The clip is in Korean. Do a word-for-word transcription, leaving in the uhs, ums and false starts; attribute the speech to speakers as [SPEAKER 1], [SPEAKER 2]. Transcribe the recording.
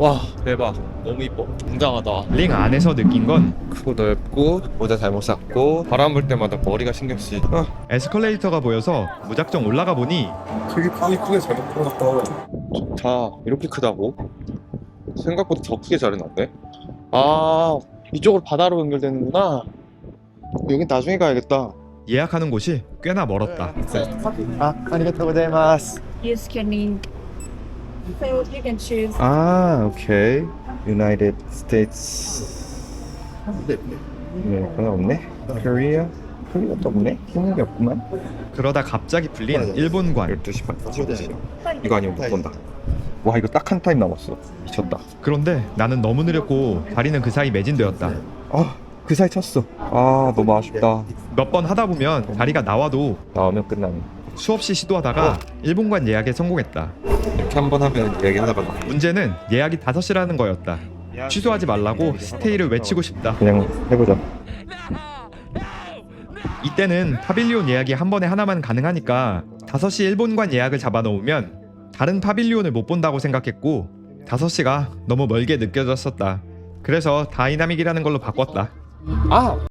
[SPEAKER 1] 와 대박, 너무 이뻐. 웅장하다.
[SPEAKER 2] 링 안에서 느낀 건
[SPEAKER 1] 크고 넓고 모자 잘못 샀고 바람 불 때마다 머리가 신경 쓰이. 아,
[SPEAKER 2] 에스컬레이터가 보여서 무작정 올라가 보니
[SPEAKER 1] 되게 크게 크게 잘 해놨다. 좋다. 이렇게 크다고? 생각보다 더 크게 잘 해놨네. 아, 이쪽으로 바다로 연결되는구나. 여긴 나중에 가야겠다.
[SPEAKER 2] 예약하는 곳이 꽤나 멀었다.
[SPEAKER 1] 아, 아리가토 고자이마스.
[SPEAKER 3] Use can so you can choose.
[SPEAKER 1] 아, 오케이. United States. 네, 하나 없네. Korea. Korea도 없네. 힘든 게 없구만.
[SPEAKER 2] 그러다 갑자기 풀린 일본관.
[SPEAKER 1] 열두 시 반. 이거 아니면 못 본다. 와, 이거 딱 한 타임 남았어. 미쳤다.
[SPEAKER 2] 그런데 나는 너무 느렸고 다리는 그 사이 매진되었다.
[SPEAKER 1] 아, 그 사이 쳤어. 아, 너무 아쉽다.
[SPEAKER 2] 몇 번 하다 보면 다리가 나와도
[SPEAKER 1] 나오면 끝나네.
[SPEAKER 2] 수없이 시도하다가 일본관 예약에 성공했다.
[SPEAKER 1] 이렇게 한 번 하면 얘기하다가 나.
[SPEAKER 2] 문제는 예약이 다섯 시라는 거였다. 취소하지 말라고 스테이를 외치고 싶다.
[SPEAKER 1] 그냥 해보자.
[SPEAKER 2] 이때는 파빌리온 예약이 한 번에 하나만 가능하니까 다섯 시 일본관 예약을 잡아놓으면 다른 파빌리온을 못 본다고 생각했고 다섯 시가 너무 멀게 느껴졌었다. 그래서 다이나믹이라는 걸로 바꿨다.
[SPEAKER 1] 아!